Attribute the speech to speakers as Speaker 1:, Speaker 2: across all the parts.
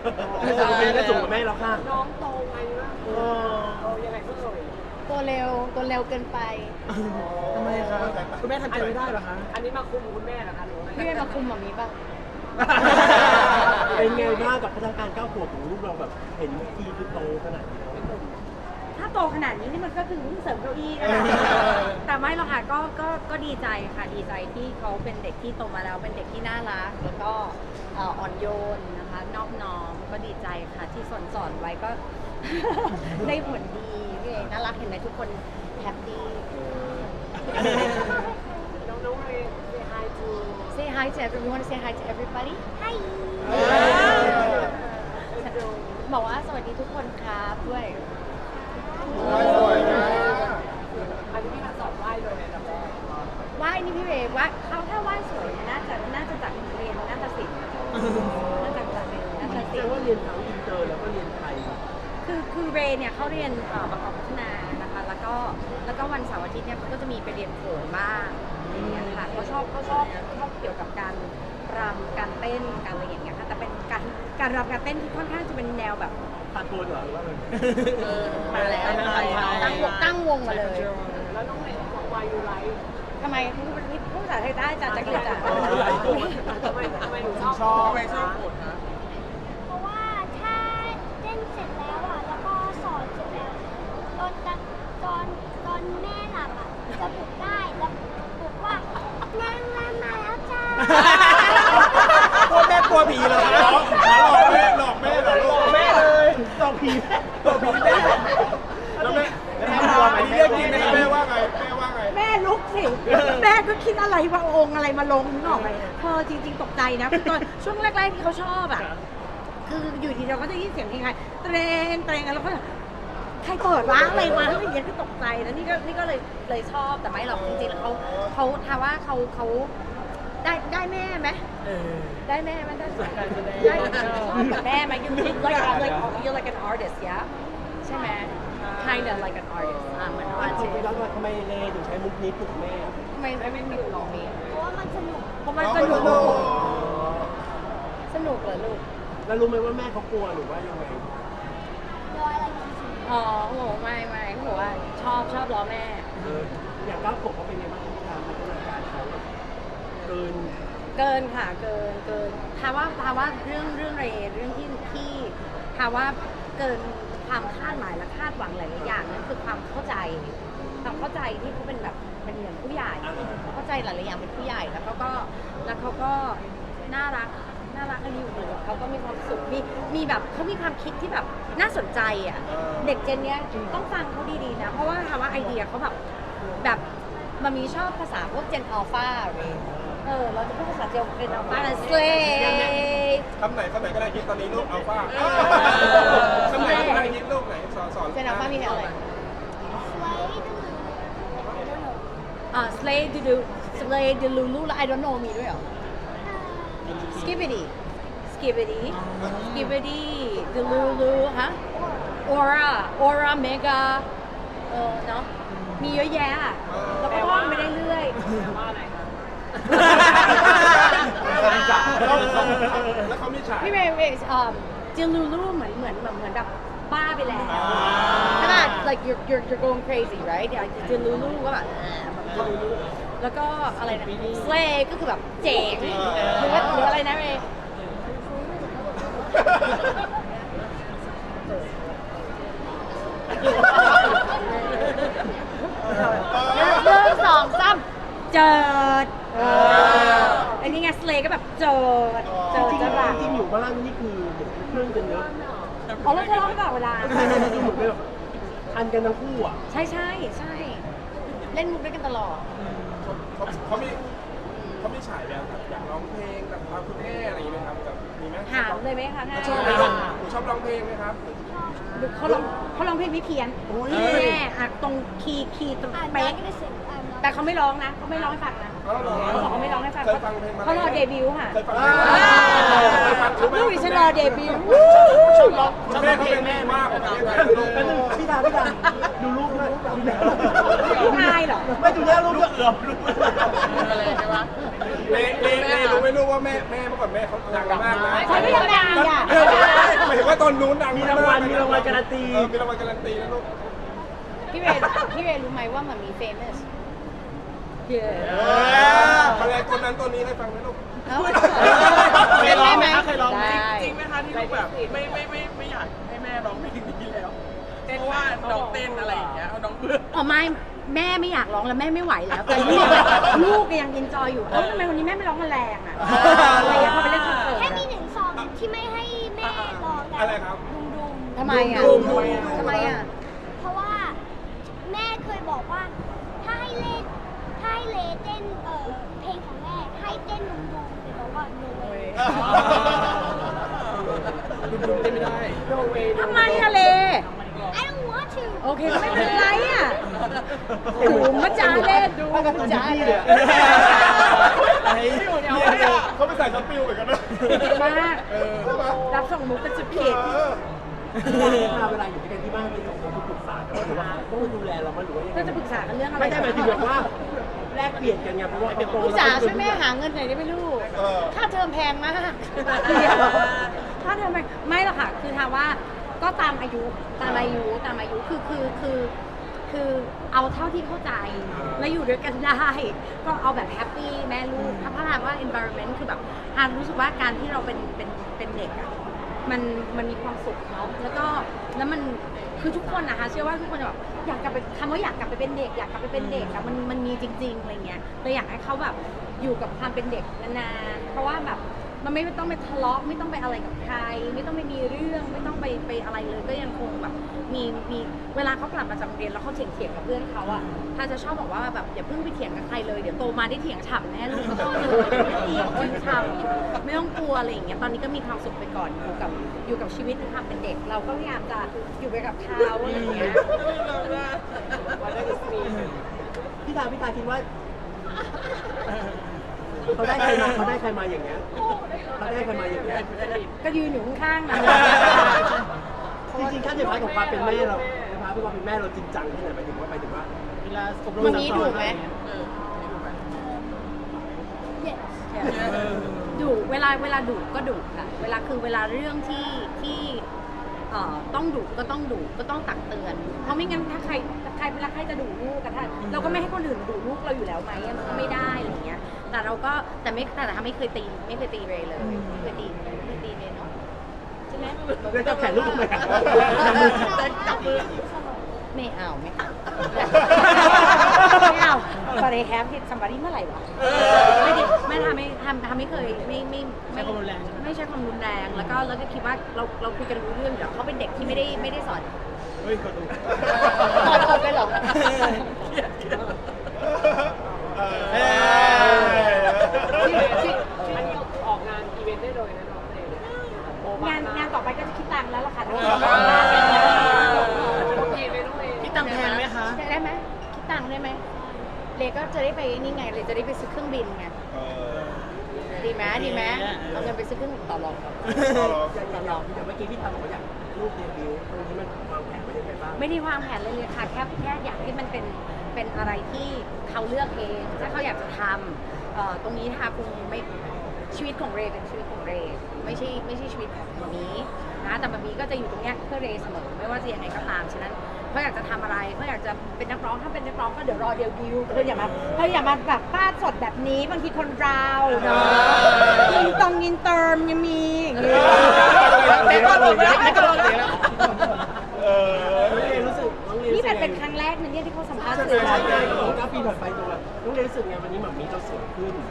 Speaker 1: แต่เราเป็นได้สูงกว่าแม่แล้วค่ะ
Speaker 2: น้องโตไงวะโตยังไงก็เลย
Speaker 3: ตัวเร็วเกินไป
Speaker 1: ทำไมครับคุณแม่ทำใจไม่ได้เหรอคะ
Speaker 2: อันนี้มาคุมคุณแม่เหรอคะหรือว่า
Speaker 3: พี่ไม่มาคุมแบบนี้ป่ะ
Speaker 1: เป็นไงบ้างกับพัฒนาการ9 ขวบของลูกเราแบบเห็นทีคือโตขนาดนี้
Speaker 4: ถ้าโตขนาดนี้นี่มันก็คือเสริมเก้าอี้นะคะแต่ไม่หรอกค่ะก็ดีใจค่ะดีใจที่เขาเป็นเด็กที่โตมาแล้วเป็นเด็กที่น่ารักแล้วก็อ่อนโยนนะคะนอบน้อมก็ดีใจค่ะที่สอนไว้ก็ ได้ผลดีพี่เอน่ารักเห็นไหมทุกคนแฮปปี้
Speaker 2: น้องเรย์ say hi to
Speaker 3: Say hi to everyone. You want to say hi to everybody? Hi. บอกว่าสวัสดีทุกคนครับด้วย
Speaker 2: อันนี้พี่มาสอนไหว้เลยในแบบแรก
Speaker 3: ไหว้นี่พี่เวว่า
Speaker 4: เขาถ้าว่าสวยน่าจะจากเรียนนาฏศิลป์น่าจะจากเรียนนาฏ
Speaker 1: แส
Speaker 4: ศิ
Speaker 1: ด
Speaker 4: ล
Speaker 1: ง
Speaker 4: ป์
Speaker 1: ว่าเรียนทั้งอินเตอร์แล้วก็เรียนไทย
Speaker 4: คือเรย์เนี่ยเขาเรียนประกอบพัฒนานะคะแล้วก็วันเสาร์อาทิตย์เนี่ยเขาก็จะมีไปเรียนโขนบ้างอย่างเงี้ยค่ะเขาชอบเกี่ยวกับการรำการเต้นการอะไรอย่างเงี้ยค่ะแต่เป็นการรำการเต้นที่ค่อนข้างจะเป็นแนวแบบ
Speaker 1: ตาโกนเหรอหรือว่าอะไร
Speaker 3: มาแล้วตั้งวงมาเลย
Speaker 2: แล้วน้องเรย์บอก why you like
Speaker 4: ทำไมพูดภาษาไทยได้จ้ะจักรีจ้ะ
Speaker 2: ทำไมหนูชอบ
Speaker 1: ทำไมชอบโกนคะ
Speaker 5: เพราะว่าถ้าเต้นเสร็จแล้วอ่ะ แล้วก็สอนเสร็จแล้วตอนแม่หลับอ่ะ จะปลุกได้แล้วปลุกว่านางรำมาแล้วจ้า
Speaker 1: กลัวแม่กลัวผีเหรอหลอกแม่หลอกแม่เลยหลอกผีแม่แล้วแม่กลัวไหมเรื่องจริงแม่ว่าไง
Speaker 4: แม่ลุกสิแม่ก็คิดอะไรว่าองค์อะไรมาลงนึกออกไหมจริงๆตกใจนะคือตอนช่วงแรกๆที่เขาชอบอ่ะคืออยู่ดีเราก็จะยินเสียงเพลงไทยเตรงแล้วก็ใครเปิดวะอะไรวะอะไรอย่างเงี้ยคือตกใจแล้วนี่ก็เลยชอบแต่ไม่หรอกจริงๆแล้วเขาถามว่าเขาได้แม่ไหมได้แม่ไหมได้ชอบกับแม่ไหม you like an artist yeah ใช่ไหม kind of like an artist เหมือนอาร์ติส
Speaker 1: แล้วทำไมเลถึงใช้มุกนี้ปลุกแม่
Speaker 3: ทำไมไม่มีลองนี้
Speaker 5: เพราะว่ามันสนุก
Speaker 4: เพราะมันสนุก
Speaker 3: สนุกเหรอลูก
Speaker 1: แล้วรู้ไหมว่าแม่เขากลัวหรือว่ายังไง
Speaker 5: โดยอะไรจริง
Speaker 3: อ๋อโหไม่เขาบอกว่าชอบล้อแม่
Speaker 1: อย่าง9 ขวบเขาเป็นยังไงบ้างที่ทางพัฒนาการเขาเกิน
Speaker 3: ค่ะเกินถามว่าเรื่องเรื่องที่ถามว่าเกินความคาดหมายและคาดหวังหลายๆอย่างนั่นคือความเข้าใจที่เขาเป็นแบบเป็นเหมือนผู้ใหญ่เข้าใจหลายๆอย่างเป็นผู้ใหญ่แล้วเขาก็น่ารักกันอยู่เขาก็มีความสุขมีแบบเขามีความคิดที่แบบน่าสนใจอ่ะเด็กเจนเนี้ยต้องฟังเขาดีๆนะเพราะว่าถามว่าไอเดียเขาแบบมันมีชอบภาษาพวกเจนอัลฟาเราจะพูดภาษาเจนอัลฟานะสเล
Speaker 6: คำไหนก็ได้คิดตอนนี้ลูกอัลฟาคำไหนก็ได้คิดลูกไหนสอน
Speaker 3: เจนอัลฟามีอะไรslay the lulu แล้ว I don't know มีด้วยเหรอ skibbity the lulu ฮะ aura mega เนาะมีเยอะแยะแล้วก็ท่องไปเรื่อย
Speaker 2: ว่าอะไรคะ
Speaker 6: แล้วเขามีฉาก
Speaker 3: พี่เมย์the lulu เหมือนแบบบ้าไปแล้วขนาด like you're going crazy right the lulu ก็แบบlulu แล้วก็อะไรนะ slay ก็คือแบบเจ๋งหรืออะไรนะเมย์1 2 3เจิดอันนี้ไง slay ก็แบบเจิดจะแบบ
Speaker 1: จริงอยู่บ้านนี่คือเพื่อนกันเยอะ
Speaker 4: แล้วจะร้องตลอดเวลา
Speaker 1: หมดเลยทันกันทั้งคู่อ่ะ
Speaker 4: ใช่
Speaker 3: เล่นมุกด้วยกันตลอด
Speaker 6: เขามีฉายแบบอยากร้องเพลงแบบตามคุณแม่อะไรอย่างเงี้ยครับแบบมีไหม
Speaker 4: ถามเลยไหมคะง่าย
Speaker 6: ชอบไหมครับหนูชอบร้องเพลงไหมครับ
Speaker 4: เขาร้องเพลงไม่เพี้ยนแม่ตรงคีย์ตรง
Speaker 5: ๆอ่าน
Speaker 4: เป๊ะ
Speaker 5: ก็ได้เสียงอ่าน
Speaker 4: แต่เขาไม่ร้องนะเขาไม่ร้องให้ฟังนะเขาบอกเขาไม่ร้องให้ฟังเขารอเดบิวต์ค่ะ
Speaker 6: เคยฟังเคยฟัง
Speaker 4: ลูกดิฉันรอเดบิวต์
Speaker 6: แม่เขาเป็นแม่มากกว่าประเทศไทยลูก
Speaker 1: พี่ดาดูรูปด้วย
Speaker 4: นายเหรอ
Speaker 1: ไม่ดูหน้ารูปด้วยรูปอะไรใช่ไหม
Speaker 6: เล่รู้ไม่รู้ว่าแม่เมื่อก่อนแม่เขาดังมากนะ
Speaker 4: ใครไม่ยังดังอ่ะ
Speaker 6: หมายถึงว่าตอนนู้นดัง
Speaker 1: มีรางวัลมีรางวัลการันตี
Speaker 6: มีรางวัลการันตีนะลูก
Speaker 3: พี่เวย์รู้ไหมว่ามันมี famous
Speaker 6: อะไรตัวนั้นตัวนี้ให้ฟังไหมลูก
Speaker 3: เอ้า
Speaker 1: เคยร้องไหม
Speaker 3: ได้
Speaker 1: เคยร้องไหม
Speaker 3: ได้
Speaker 7: จริงไหมคะที่ลูกแบบไม่อยากให้แม่ร้องเพลงนี้แล้วเพราะว่าน้องเต้นอะไรอย่างเงี้ยน้องเบื่อ
Speaker 4: อ๋อไม่แม่ไม่อยากร้องแล้วแม่ไม่ไหวแล้วแต่ลูกยังอินจอยอยู่ทำไมวันนี้แม่ไม่ร้องแมลงอ่ะอะไรอย่างเงี้ยพอไปเล่นคอนเสิร์ต
Speaker 5: แค่
Speaker 4: อะ
Speaker 5: มีหนึ่งซองที่ไม่ให้แม่ลองกั
Speaker 6: อะไรครับ
Speaker 5: ดุม
Speaker 3: ทำไมอ่ะทำไมอ่ะ
Speaker 5: ๆเพราะว่าแม่เคยบอกว่าถ้าให้เลเต้นเพลงของแม่ให้เต้นดุมๆแต่บอกว่า no way
Speaker 1: ดุมๆเต้นไม่ได้
Speaker 4: ทำไมอะเล
Speaker 5: I don't want to
Speaker 4: โอเคก็ไม่เป็นไรอ่ะดูมาจ้าเล่นดูมาจ้าเล่น
Speaker 6: เขาไปใส่สปิลเหมือนกันนะ
Speaker 4: มากรับส่งมุกกันสุดขีด
Speaker 1: เวลาอยู่ด้วยกันที่บ้านเป็นของเราปรึกษากันหรือว่าต้องดูแลเราหรือว่ายังไง
Speaker 4: เราจะปรึกษากันเรื่องอะไร
Speaker 1: ไม่ใช่หมายถึงแบบว่าแลกเปลี่ยนกันไงเพราะว่าเป็นโต
Speaker 3: พี่จ๋าช่วยแม่หาเงินหน่อยได้ไหมลูก ค่าเทอมแพงมาก
Speaker 4: ถ้าเธอไม่หรอกค่ะ คือถามว่าก็ตามอายุคือเอาเท่าที่เข้าใจแล้วอยู่ด้วยกันได้ ก็เอาแบบแฮปปี้แม่ลูกถ้าถามว่า environment คือแบบฮานรู้สึกว่าการที่เราเป็นเด็กอะมันมีความสุขเนาะแล้วมันคือทุกคนนะคะเชื่อว่าทุกคนจะแบบอยากกลับไปคำว่าอยากกลับไปเป็นเด็กอยากกลับไปเป็นเด็กอะมันมีจริงๆอะไรเงี้ยเลยอยากให้เขาแบบอยู่กับความเป็นเด็กนานๆเพราะว่าแบบมันไม่ต้องไปทะเลาะไม่ต้องไปอะไรกับใคร ไม่ต้องไปมีเรื่องไม่ต้องไปอะไรเลยก็ยังคงแบบมีเวลาเขากลับมาจากโรงเรียนแล้วเขาเถียงกับเพื่อนเขาอะถ้าจะชอบบอกว่าแบบอย่าเพิ่งไปเถียงกับใครเลยเดี๋ยวโตมาได้เถียงฉ่ำแน่ลูกก็ต้องเลยเถียงฉ่ำไม่ต้องกลัวอะไรอย่างเงี้ยตอนนี้ก็มีความสุขไปก่อนอยู่กับชีวิตความเป็นเด็ก เราก็พยายามจะอยู่ไปกับเขาอะไรอย่างเงี้ย
Speaker 1: พี่ตาคิดว่าเขาได้ใครมาอย่างเงี้ยเขาได้ใครมาอย่างเงี้ย
Speaker 4: ก็ยืนอยู่ข้างๆนะ
Speaker 1: จริงๆถ้าในพาร์ทของความเป็นแม่เราในพาร์ทของความเป็นแม่เราจริงจังแค่ไหนหมายถึงว่าเวลาอบรม
Speaker 3: วันนี้ดุไหม
Speaker 5: yes
Speaker 4: ดุเวลาดุก็ดุค่ะเวลาเรื่องที่ต้องดุก็ต้องดุก็ต้องตักเตือน เพราะไม่งั้นถ้าใครเวลาใครจะดุลูกกันถ้าเราก็ไม่ให้คนอื่นดุลูกเราอยู่แล้วไหมมันก็ไม่ได้อะไรอย่างเงี้ยแต่เราก็แต่ไม่เคยตีเรย์เลยไม่เคยตีเรย์เนาะใช่ไหม
Speaker 1: แล้วจะแข่งลูกทำไม
Speaker 5: จับมือ
Speaker 3: ไม่เอา
Speaker 4: ไม่เอาbut I have hit somebody เมื่อไหร่วะไม่เคยไม่ใช้ความรุนแรงแล้วก็คิดว่าเราคุยกันรู้เรื่องเดี๋ยวเขาเป็นเด็กที่ไม่ได้สอน
Speaker 1: เฮ้ยขอดู
Speaker 3: ตอนออกไปเหรอ
Speaker 2: อันนี้ออกงานอีเวนต์ได้เลยนะน้องเลย
Speaker 4: งานต่อไปก็จะคิดตังค์แล้วล่ะค่ะ
Speaker 2: โอเคไหมน้องเอ
Speaker 1: พี่ตังแพงไหมคะ
Speaker 4: ได้ไหมคิดตังค์ได้ไหมเลก็จะได้ไปนี่ไงเลยจะได้ไปซื้อเครื่องบินไงดีไหมเอาเงินไปซื้อเครื่องบินต่อรอง
Speaker 1: อย่างเราเมื่อกี้พี่ทำบอกว่าอยากลูกเดบิวต์ตรงนี้มันวางแผนไว้ยังไงบ้าง
Speaker 4: ไม่ได้วางแผนเลยค่ะแค่อยากให้มันเป็นอะไรที่เขาเลือกเองถ้าเขาอยากจะทำตรงนี้ค่ะคงไม่ชีวิตของเรย์เป็นชีวิตของเรย์ไม่ใช่ชีวิตของมามีนะแต่มามีก็จะอยู่ตรงเนี้ยเพื่อเรย์เสมอไม่ว่าจะยังไงก็ตามฉะนั้นเขาอยากจะทำอะไรเขาอยากจะเป็นนักร้องถ้าเป็นนักร้องก็เดี๋ยวรอเดบิวต์เธออย่ามาแบบฟาดสดแบบนี้บางทีคนเราเนาะยินเติมยังมีอย่างเงี้ย นี่เป็นครั้งแรกนะเนี่ยที่เขาสัมภาษณ์สื่อ
Speaker 1: ใช่9 ปีผ่านไปตัวน้องเรียนรู้สึกไงวันนี้หม่ามีเราสวยขึ้น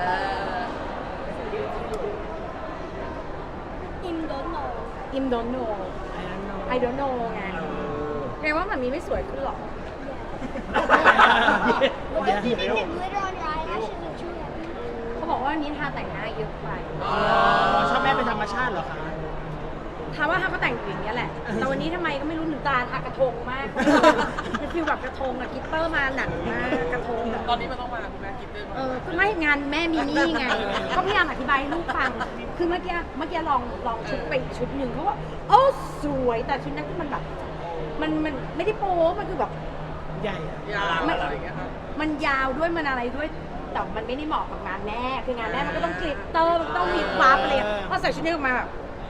Speaker 5: อิมโดนโน
Speaker 4: อิม don't know I don't know ไงแปลว่ามันมีไม่สวยขึ้นหรอก
Speaker 5: What if you didn't glitter on your eyelashes and true
Speaker 4: เขาบอกว่าวันนี้ทาแต่งหน้าเยอะไป
Speaker 1: ชอบแม่เป็นธรรมชาติเหรอคะ
Speaker 4: ถามว่าทาก็แต่งอยู่อย่างเงี้ยแหละ แต่วันนี้ทำไมก็ไม่รู้หนูตาทากระทงมากเป็นฟิลแบบกระทงอะกิตเตอร์มาหนักมากกระทงแบบ
Speaker 7: ตอนนี้มันต้องมาคุณแม่กินด้วย
Speaker 4: ก็ไม่งานแม่มีนี่ไง ก็พยายามอธิบายให้ลูกฟัง คือเมื่อกี้ลองชุดไปอีกชุดหนึ่งเขาว่าโอ้สวยแต่ชุดนั้นที่มันแบบมันไม่ได้โป๊มันคือแบบ
Speaker 1: ใหญ่
Speaker 7: ยาวอะไรอย่างเงี้ยครับ
Speaker 4: มันยาวด้วยมันอะไรด้วยแต่มันไม่ได้เหมาะกับงานแม่คืองานแม่มันก็ต้องกลิตเตอร์มันก็ต้องมีปั๊บอะไรอย่างเงี้ยพอใส่ชุดนี้ออกมาแบบ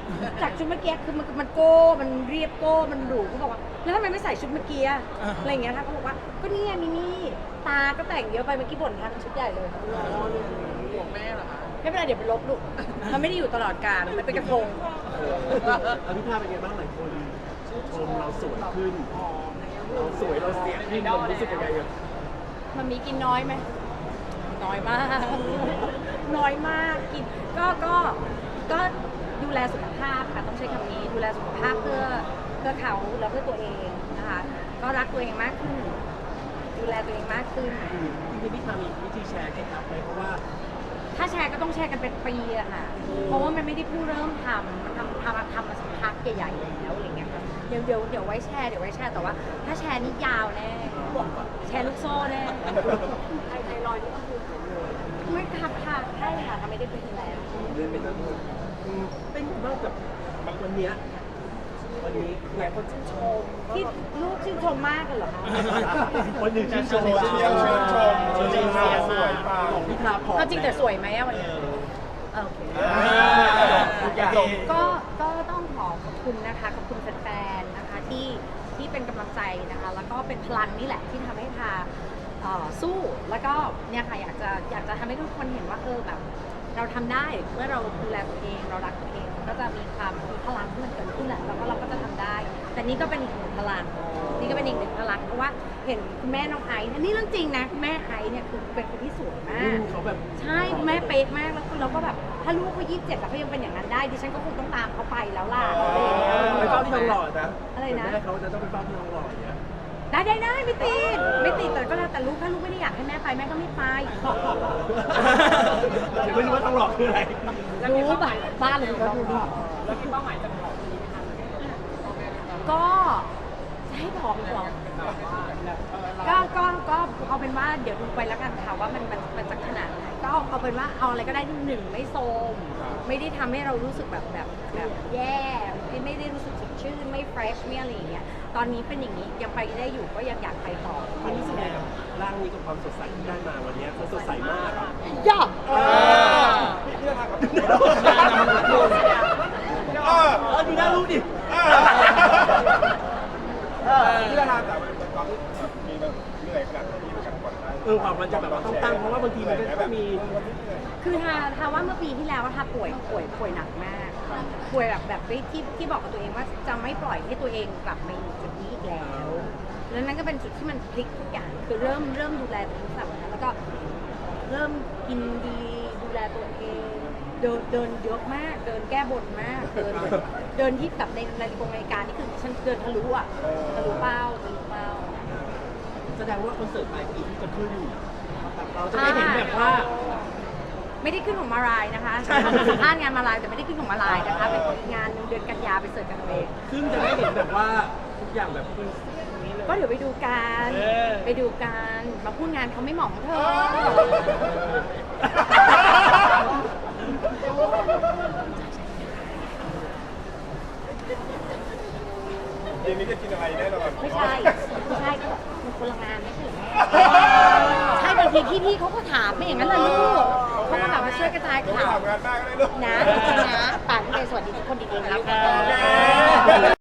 Speaker 4: จากชุดเมื่อกี้คือมันโก้มันเรียบโก้มันหรูเขาบอกว่าแล้วทำไมไม่ใส่ชุดเมื่อกี้อะอะไรอย่างเงี้ยท่านเขาบอกว่าก็นี่ไงมินี่ตาก็แต่งเยอะไปเมื่อกี้บ่นทางชุดใหญ่เลย
Speaker 7: ห่วงแม่เหรอคะ
Speaker 4: ไม่เป็นไรเดี๋ยวไปลบลูกมันไม่ได้อยู่ตลอดกาลมันเป็นกระทง
Speaker 1: อภิภาเป็นไงบ้างหลายคนชมเราสวยขึ้นเราสวยเราเสียขึ้นมันรู้สึกยังไงอะ
Speaker 4: มันมีกินน้อยไหมน้อยมาก น้อยมากกินก็ดูแลสุขภาพค่ะต้องใช้คำนี้ดูแลสุขภาพเพื่อเขาแล้วเพื่อตัวเองนะคะก็รักตัวเองมากขึ้น ดูแลตัวเองมากขึ้น
Speaker 1: จริงๆพี่พามีวิธีแชร์เคล็ดลับไหมเพราะว่า
Speaker 4: ถ้าแชร์ก็ต้องแชร์กันเป็นปีอะค่ะ เพราะว่ามันไม่ได้เพิ่งเริ่มทำมาสักพักใหญ่ๆแล้วอะไรเงี้ยค่ะเดี๋ยวไว้แชร์แต่ว่า ถ้าแชร์นี่ยาวแน่แชร์ลูกโซ่แน่
Speaker 2: ไทรอยด์นี่ก็คือหายเลย
Speaker 4: ไม่ค่ะใช่ค่ะทำไม่ได้เป็นแล้ว
Speaker 1: เดินเป็นแล้วด้วยเป็นไงบ้างกับวันนี้หลายคนชื่นชม
Speaker 4: ที่ลูกชื่นชมมากเลยเหรอคะ
Speaker 1: คนหนึ่งชื่นชม
Speaker 6: เชียร์ชื่นชมจริงๆสวยปัง
Speaker 1: ของพี่พาพอ
Speaker 4: เอาจริงแต่สวยไหมอะวันนี้โอเค
Speaker 1: ทุกอย่าง
Speaker 4: ก็ต้องขอบคุณนะคะขอบคุณแฟนๆนะคะที่เป็นกำลังใจนะคะ แล้วก็เป็นพลังนี่แหละที่ทำให้พาสู้แล้วก็เนี่ยค่ะอยากจะทำให้ทุกคนเห็นว่าแบบเราทำได้เมื่อเราดูแลตัวเองเรารักตัวเองมันก็จะมีพลังที่มันเกิดขึ้นแหละแล้วก็เราก็จะทำได้ แต่นี่ก็เป็นอีกหนึ่งพลังนี่ก็เป็นอีกหนึ่งพลังเพราะว่าเห็นคุณแม่น้องไอซ์นี่เรื่องจริงนะคุณแม่ไอซ์เนี่ยคือเป็นคนที่สวยมาก
Speaker 1: เขาแบบ
Speaker 4: ใช่คุณแม่เป๊ะมากแล้วเราก็แบบถ้าลูกเขา27แล้วเขายังเป็นอย่างนั้นได้ดิฉันก็คงต้องตามเขาไปแล้วล่ะอะไรอย่างเงี้ย
Speaker 1: ไปเฝ้าที่ทองหล่อนะ
Speaker 4: อะไรนะ
Speaker 1: แม่เขาจะต้องไปเฝ้าที่ทองหล่ออย่างเงี้ย
Speaker 4: ได้ไม่ติดแต่ก็แล้วแต่ลูกถ้าลูกไม่ได้อยากให้แม่ไปแม่ก็ไม่ไป
Speaker 1: เดี๋ยวไม่รู้ว่าทองหล่อคืออะไร
Speaker 4: รู้แบบบ้านเลยก็ดูดี
Speaker 2: แล้วมีเป้าหมายจะผอมดีไหมคะ
Speaker 4: ก็จะให้ผอมอีกเหรอก็เอาเป็นว่าเดี๋ยวดูไปแล้วกันค่ะว่ามันจะขนาดไหนก็เอาเป็นว่าเอาอะไรก็ได้ที่หนึ่งไม่โทรมไม่ได้ทำให้เรารู้สึกแบบแย่ไม่ได้รู้สึกสดชื่นไม่เฟรชไม่อะไรอย่างเงี้ยตอนนี้เป็นอย่างนี้ยังไปได้อยู่ก็ยังอยากไปต่อ
Speaker 1: มันรู้สึกยังไงกับร่างนี้กับความสดใสที่ได้มาวันนี้มันสดใสมากอะ
Speaker 4: ย่า
Speaker 6: พี่ราครับ
Speaker 1: ดูหน้าลูกดิ
Speaker 6: พี่ราแต่ตอนที่มีแบบเหนื่อยขนาดนี้เหมือนกันก่อนได้
Speaker 1: ความมันจะแบบว่าต้องตั้งเพราะว่าบางทีมันก็ต้องมี
Speaker 4: คือทาว่าเมื่อปีที่แล้วทาป่วยหนักมากป่วยแบบที่บอกกับตัวเองว่าจะไม่ปล่อยให้ตัวเองกลับมาอยู่จุดนี้อีกแล้วแล้วนั่นก็เป็นจุดที่มันพลิกทุกอย่างคือเริ่มดูแลตัวเองแบบนั้นแล้วก็เริ่มกินดีดูแลตัวเองเดินเยอะมากเดินแก้บนมากเดินที่แบบในรายการนี่คือฉันเดินทะลุเป้า
Speaker 1: แสดงว่าคอนเสิร์ตปลายปีที่จะขึ้นเราจะได้เห็นแบบว่า
Speaker 4: ไม่ได้ขึ้นของมารายนะคะสัมภาษณ์งานมารายแต่ไม่ได้ขึ้นของมารายนะคะเป็นงานเดือนกันยาไปเสิร์ชกันเอาเอง
Speaker 1: ซึ่งจะได้เห็นแบบว่าทุกอย่างแบบคือ
Speaker 4: ก็เดี๋ยวไปดูกันมาพูดงานเขาไม่เหมาะของเธอ
Speaker 6: เย็นนี้จะกินอะไรแน่นอน
Speaker 4: ไม่ใช่ก็แบบมันคนละงานไม่ใช่เหรอใช่บางทีพี่เขาก็ถามไม่อย่างนั้นเลยลูกเขาก็แบบมาช่วยกระจาย
Speaker 6: ไม่
Speaker 4: ข่าว
Speaker 6: ทำงานบ้างก็ได้ลูก
Speaker 4: นะป่านนี้สวัสดีทุกคนดีๆแล้วกัน
Speaker 6: โอเค